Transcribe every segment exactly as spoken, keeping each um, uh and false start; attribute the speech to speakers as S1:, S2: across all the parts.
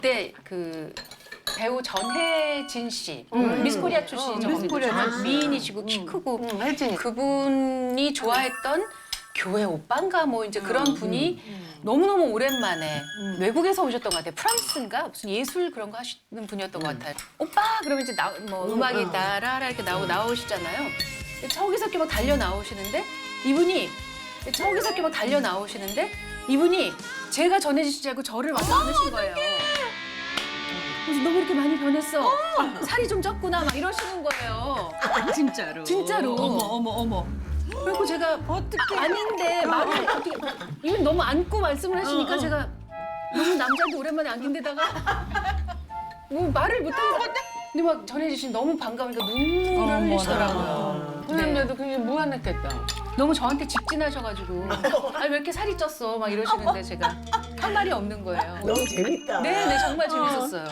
S1: 그때 그 배우 전혜진 씨,
S2: 음.
S1: 미스코리아 출신이죠.
S2: 어, 미스코리아
S1: 정말
S2: 출신.
S1: 미인이시고 키 크고
S2: 응, 혜진이.
S1: 그분이 좋아했던 교회 오빠인가 뭐 이제 그런 분이 너무너무 오랜만에 외국에서 오셨던 것 같아요. 프랑스인가 무슨 예술 그런 거 하시는 분이었던 것 같아요. 오빠 그러면 이제 나, 뭐 음악이 따라라 이렇게 나오고 나오시잖아요. 저기서 이렇게 막 달려 나오시는데 이분이 저기서 이렇게 막 달려 나오시는데 이분이 제가 전해진 줄 알고 저를 와서 안으신 거예요. 그래서 너 왜 이렇게 많이 변했어? 살이 좀 쪘구나 막 이러시는 거예요.
S3: 진짜로.
S1: 진짜로.
S3: 어머 어머 어머.
S1: 그리고 제가 어떻게 아닌데 말을 어떻게 이분 너무 안고 말씀을 하시니까 제가 너무 남자한테 오랜만에 안긴 데다가 뭐 말을 못하고 근데 막 전해주신 너무 반가우니까 눈물을 흘리시더라고요.
S2: 그런데도 그게 무안했겠다.
S1: 너무 저한테 직진하셔가지고 아니 왜 이렇게 살이 쪘어 막 이러시는데 제가 한 말이 없는 거예요.
S4: 너무 재밌다.
S1: 네, 네 정말 재밌었어요.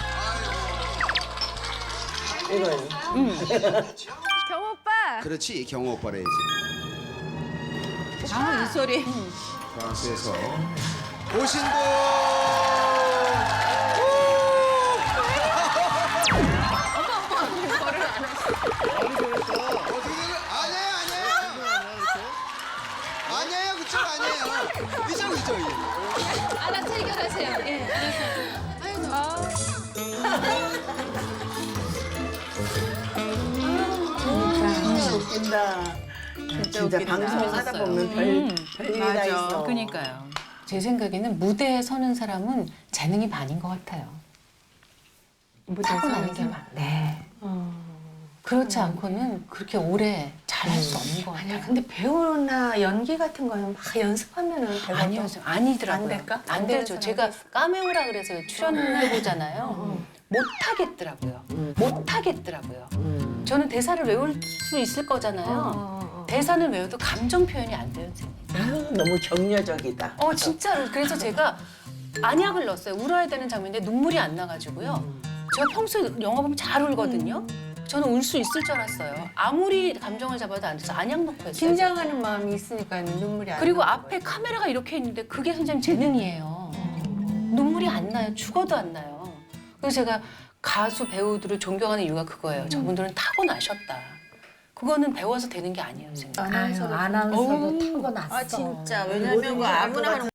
S4: 이거요.
S5: 경호 오빠.
S6: 그렇지, 경호 오빠라 해야지.
S3: 아, 이 소리.
S6: 프랑스에서 오신 분! 어떻게 되는? 아니에요, 아니에요. 아니에요, 그쪽 아니에요. 이쪽, 이쪽.
S5: 알아서 해결하세요. 예.
S4: 웃긴다. 진짜,
S3: 웃긴다.
S4: 방송 하다 보면 별,
S1: 음,
S4: 별일이 다
S3: 맞아.
S4: 있어.
S1: 그러니까요. 제 생각에는 무대에 서는 사람은 재능이 반인 것 같아요. 타고나는 게 많. 네. 그렇지 않고는 그렇게 오래 잘할 수 없는 것 같아요.
S2: 아니야, 근데 배우나 연기 같은 거는 막 연습하면은 되거든.
S1: 아니요, 아니더라고요.
S2: 안 될까?
S1: 안
S2: 안 되는
S1: 되죠.
S2: 사람도
S1: 제가
S2: 있어.
S1: 까메오라 그래서 출연해보잖아요. 못 하겠더라고요. 못 하겠더라고요. 저는 대사를 외울 수 있을 거잖아요. 대사는 외워도 감정 표현이 안 돼요, 선생님.
S4: 아유, 너무 격려적이다.
S1: 어, 진짜로. 그래서 제가 안약을 넣었어요. 울어야 되는 장면인데 눈물이 안 나가지고요. 제가 평소에 영화 보면 잘 울거든요. 저는 울 수 있을 줄 알았어요. 아무리 감정을 잡아도 안 돼서 안약 넣고 했어요.
S2: 긴장하는 마음이 있으니까 눈물이 안
S1: 그리고
S2: 나는
S1: 앞에 카메라가 이렇게 있는데 그게 선생님 재능이에요. 눈물이 안 나요. 죽어도 안 나요. 그래서 제가 가수 배우들을 존경하는 이유가 그거예요. 저분들은 타고나셨다. 그거는 배워서 되는 게 아니에요, 선생님.
S2: 아나운서도
S5: 아나운서도
S2: 어우,
S5: 타고났어.
S3: 아, 진짜. 왜냐면 그 아무나 하는